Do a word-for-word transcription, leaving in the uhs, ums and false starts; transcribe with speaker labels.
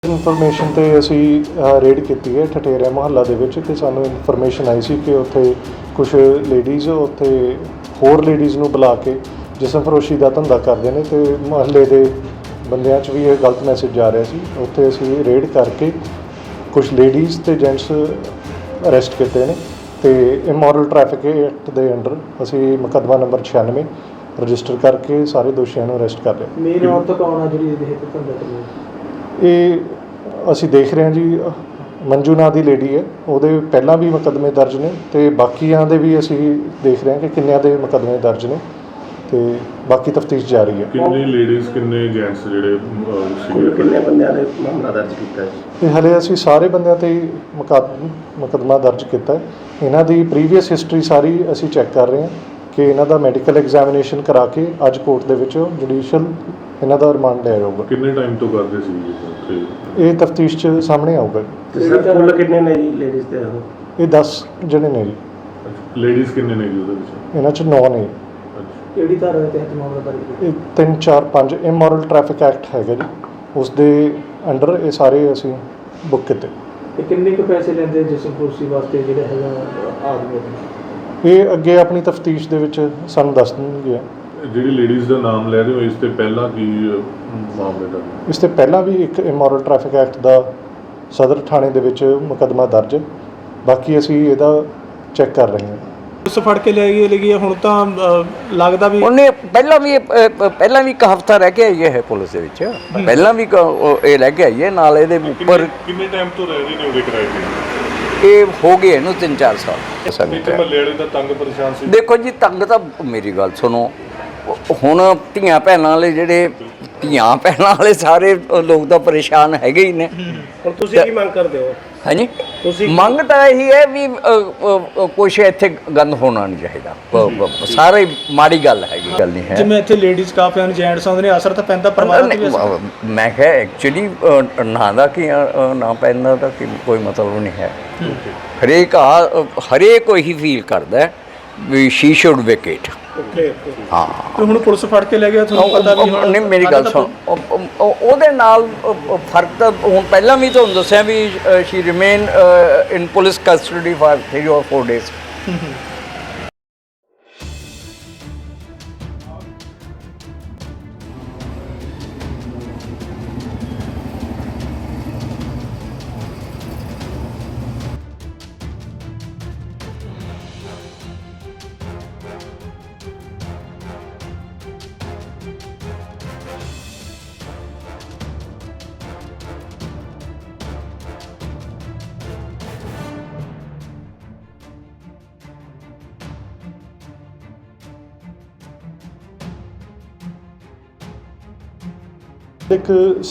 Speaker 1: Information 'ਤੇ ਅਸੀਂ raid ਕੀਤੀ ਹੈ ਠਠੇਰਿਆ ਮੁਹੱਲਾ ਦੇ ਵਿੱਚ ਅਤੇ ਸਾਨੂੰ ਇਨਫੋਰਮੇਸ਼ਨ ਆਈ ਸੀ ਕਿ ਉੱਥੇ ਕੁਛ ਲੇਡੀਜ਼ ਉੱਥੇ ਹੋਰ ਲੇਡੀਜ਼ ਨੂੰ ਬੁਲਾ ਕੇ ਜਿਸਮ ਫਰੋਸ਼ੀ ਦਾ ਧੰਦਾ ਕਰਦੇ ਨੇ ਅਤੇ ਮੁਹੱਲੇ ਦੇ ਬੰਦਿਆਂ 'ਚ ਵੀ ਇਹ ਗਲਤ ਮੈਸੇਜ ਜਾ ਰਿਹਾ ਸੀ। ਉੱਥੇ ਅਸੀਂ ਰੇਡ ਕਰਕੇ ਕੁਛ ਲੇਡੀਜ਼ ਅਤੇ ਜੈਂਟਸ ਅਰੈਸਟ ਕੀਤੇ ਨੇ ਅਤੇ ਇਮੋਰਲ ਟ੍ਰੈਫਿਕ ਐਕਟ ਦੇ ਅੰਡਰ ਅਸੀਂ ਮੁਕੱਦਮਾ ਨੰਬਰ ਛਿਆਨਵੇਂ ਰਜਿਸਟਰ ਕਰਕੇ ਸਾਰੇ ਦੋਸ਼ੀਆਂ ਨੂੰ ਅਰੈਸਟ ਕਰ ਲਿਆ।
Speaker 2: ਮੇਨ ਔਰਤ ਕੌਣ ਆ ਜਿਹੜੀ ਇਹਦੇ ਧੰਦਾ ਕਰਦੀ?
Speaker 1: ਇਹ ਅਸੀਂ ਦੇਖ ਰਹੇ ਹਾਂ ਜੀ, ਮੰਜੂ ਨਾਂ ਦੀ ਲੇਡੀ ਹੈ, ਉਹਦੇ ਪਹਿਲਾਂ ਵੀ ਮੁਕੱਦਮੇ ਦਰਜ ਨੇ ਅਤੇ ਬਾਕੀਆਂ ਦੇ ਵੀ ਅਸੀਂ ਦੇਖ ਰਹੇ ਹਾਂ ਕਿ ਕਿੰਨਿਆਂ ਦੇ ਮੁਕੱਦਮੇ ਦਰਜ ਨੇ ਅਤੇ ਬਾਕੀ ਤਫਤੀਸ਼ ਜਾਰੀ ਹੈ।
Speaker 3: ਕਿੰਨੇ ਲੇਡੀਜ਼ ਕਿੰਨੇ ਜੈਂਟਸ ਜਿਹੜੇ
Speaker 4: ਕਿੰਨੇ ਬੰਦਿਆਂ ਦੇ ਮਾਮਲਾ ਦਰਜ ਕੀਤਾ ਹੈ?
Speaker 1: ਇਹ ਹਲੇ ਅਸੀਂ ਸਾਰੇ ਬੰਦਿਆਂ 'ਤੇ ਹੀ ਮੁਕੱਦ ਮੁਕੱਦਮਾ ਦਰਜ ਕੀਤਾ ਹੈ। ਇਹਨਾਂ ਦੀ ਪ੍ਰੀਵੀਅਸ ਹਿਸਟਰੀ ਸਾਰੀ ਅਸੀਂ ਚੈੱਕ ਕਰ ਰਹੇ ਹਾਂ ਕਿ ਇਹਨਾਂ ਦਾ ਮੈਡੀਕਲ ਐਗਜ਼ਾਮੀਨੇਸ਼ਨ ਕਰਾ ਕੇ ਅੱਜ ਕੋਰਟ ਦੇ ਵਿੱਚ ਜੁਡੀਸ਼ੀਅਲ ਇਹਨਾਂ ਦਾ ਰਿਮਾਂਡ ਲਿਆ ਜਾਊਗਾ।
Speaker 3: ਕਿੰਨੇ ਟਾਈਮ ਤੋਂ ਕਰਦੇ ਸੀ ਉੱਥੇ?
Speaker 1: ਇਹ ਤਫਤੀਸ਼ 'ਚ ਸਾਹਮਣੇ ਆਊਗਾ।
Speaker 4: ਤੇ ਸਰ ਕੁੱਲ ਕਿੰਨੇ ਨੇ ਜੀ ਲੇਡੀਜ਼ ਤੇ ਉਹ?
Speaker 1: ਇਹ ਦਸ ਜਣੇ ਨੇ ਜੀ।
Speaker 3: ਲੇਡੀਜ਼ ਕਿੰਨੇ ਨੇ ਜੀ ਉਹਦੇ ਵਿੱਚ?
Speaker 1: ਇਹਨਾਂ 'ਚ ਨੌ ਨੇ।
Speaker 2: ਕਿਹੜੀ ਧਾਰਾ ਦੇ ਤਹਿਤ ਮਾਮਲਾ ਦਰਜ ਕੀਤਾ?
Speaker 1: ਇਹ ਤਿੰਨ ਚਾਰ ਪੰਜ ਇਮੋਰਲ ਟ੍ਰੈਫਿਕ ਐਕਟ ਹੈਗਾ ਜੀ, ਉਸ ਦੇ ਅੰਡਰ ਇਹ ਸਾਰੇ ਅਸੀਂ ਬੁੱਕ ਕੀਤੇ।
Speaker 2: ਤੇ ਕਿੰਨੇ ਕੁ ਪੈਸੇ ਲੈਂਦੇ ਜਿਸਮ ਫਰੋਸ਼ੀ ਵਾਸਤੇ ਜਿਹੜੇ ਹੈਗਾ ਆਦਮੀ?
Speaker 1: ਇਹ ਅੱਗੇ ਆਪਣੀ ਤਫਤੀਸ਼ ਦੇ ਵਿੱਚ ਸਾਨੂੰ ਦੱਸ ਦੇਣਗੇ।
Speaker 3: ਜਿਹੜੀ ਲੇਡੀਜ਼ ਦਾ ਨਾਮ ਲੈ ਰਹੇ ਹੋ ਇਸ ਤੇ ਪਹਿਲਾਂ ਕੀ ਮਾਮਲੇ ਦਾ?
Speaker 1: ਇਸ ਤੋਂ ਪਹਿਲਾਂ ਵੀ ਇੱਕ ਇਮੋਰਲ ਟ੍ਰੈਫਿਕ ਐਕਟ ਦਾ ਸਦਰ ਥਾਣੇ ਦੇ ਵਿੱਚ ਮੁਕੱਦਮਾ ਦਰਜ, ਬਾਕੀ ਅਸੀਂ ਇਹਦਾ ਚੈੱਕ ਕਰ ਰਹੇ ਹਾਂ।
Speaker 2: ਉਸ ਫੜ ਕੇ ਲੈ ਗਏ ਲਗੀ ਹੁਣ ਤਾਂ ਲੱਗਦਾ ਵੀ
Speaker 5: ਉਹਨੇ ਪਹਿਲਾਂ ਵੀ ਪਹਿਲਾਂ ਵੀ ਇੱਕ ਹਫ਼ਤਾ ਰਹਿ ਕੇ ਆਈ ਹੈ ਪੁਲਿਸ ਦੇ ਵਿੱਚ, ਪਹਿਲਾਂ ਵੀ ਇਹ ਰਹਿ ਕੇ ਆਈ ਹੈ ਨਾਲ ਇਹਦੇ ਉੱਪਰ।
Speaker 3: ਕਿੰਨੇ ਟਾਈਮ ਤੋਂ ਰਹਿ ਰਹੇ ਨੇ ਉਹਦੇ ਕਿਰਾਏ ਤੇ?
Speaker 5: ਇਹ ਹੋ ਗਏ ਇਹਨੂੰ ਤਿੰਨ ਚਾਰ ਸਾਲ।
Speaker 3: ਮਹੱਲੇ ਵਾਲੇ ਦਾ ਤੰਗ ਪਰੇਸ਼ਾਨ ਸੀ?
Speaker 5: ਦੇਖੋ ਜੀ, ਤੰਗ ਤਾਂ ਮੇਰੀ ਗੱਲ ਸੁਣੋ, ਹੁਣ ਧੀਆਂ ਭੈਣਾਂ ਵਾਲੇ ਜਿਹੜੇ ਧੀਆਂ ਭੈਣਾਂ ਵਾਲੇ ਸਾਰੇ ਲੋਕ ਤਾਂ ਪਰੇਸ਼ਾਨ ਹੈਗੇ ਹੀ ਨੇ।
Speaker 4: ਹੁਣ ਤੁਸੀਂ ਕੀ ਮੰਗ ਕਰਦੇ ਹੋ?
Speaker 5: ਹਾਂਜੀ, ਮੰਗ ਤਾਂ ਇਹੀ ਹੈ ਵੀ ਕੁਛ ਇੱਥੇ ਗੰਦ ਹੋਣਾ ਨਹੀਂ ਚਾਹੀਦਾ। ਸਾਰੇ ਮਾੜੀ ਗੱਲ ਹੈਗੀ, ਗੱਲ ਨਹੀਂ ਹੈ।
Speaker 2: ਜਿਵੇਂ ਇੱਥੇ ਲੇਡੀਜ਼ ਕਾਫੀ ਹਨ, ਜੈਂਟਸ ਆਉਂਦੇ ਨੇ, ਅਸਰ ਤਾਂ ਪੈਂਦਾ ਪਰਿਵਾਰ ਤੇ ਵੀ ਅਸਰ।
Speaker 5: ਮੈਂ ਕਿਹਾ ਐਕਚੁਅਲੀ ਨਾ ਦਾ ਕਿ ਨਾ ਪੈਂਦਾ ਤਾਂ ਕੋਈ ਮਤਲਬ ਨਹੀਂ ਹੈ। ਹਰੇਕ ਆ ਹਰੇਕ ਉਹੀ ਫੀਲ ਕਰਦਾ ਵੀ ਸ਼ੀ ਸ਼ੁਡ ਵੇਕੇਟ। ਹਾਂ,
Speaker 2: ਹੁਣ ਪੁਲਿਸ ਫੜ ਕੇ ਲੈ ਗਿਆ, ਤੁਹਾਨੂੰ ਪਤਾ ਵੀ ਹੁਣ
Speaker 5: ਨਹੀਂ। ਮੇਰੀ ਗੱਲ ਸੁਣ, ਉਹਦੇ ਨਾਲ ਫਰਕ ਤਾਂ ਹੁਣ ਪਹਿਲਾਂ ਵੀ ਤੁਹਾਨੂੰ ਦੱਸਿਆ ਵੀ she remain in police custody for three or four days.
Speaker 1: ਇੱਕ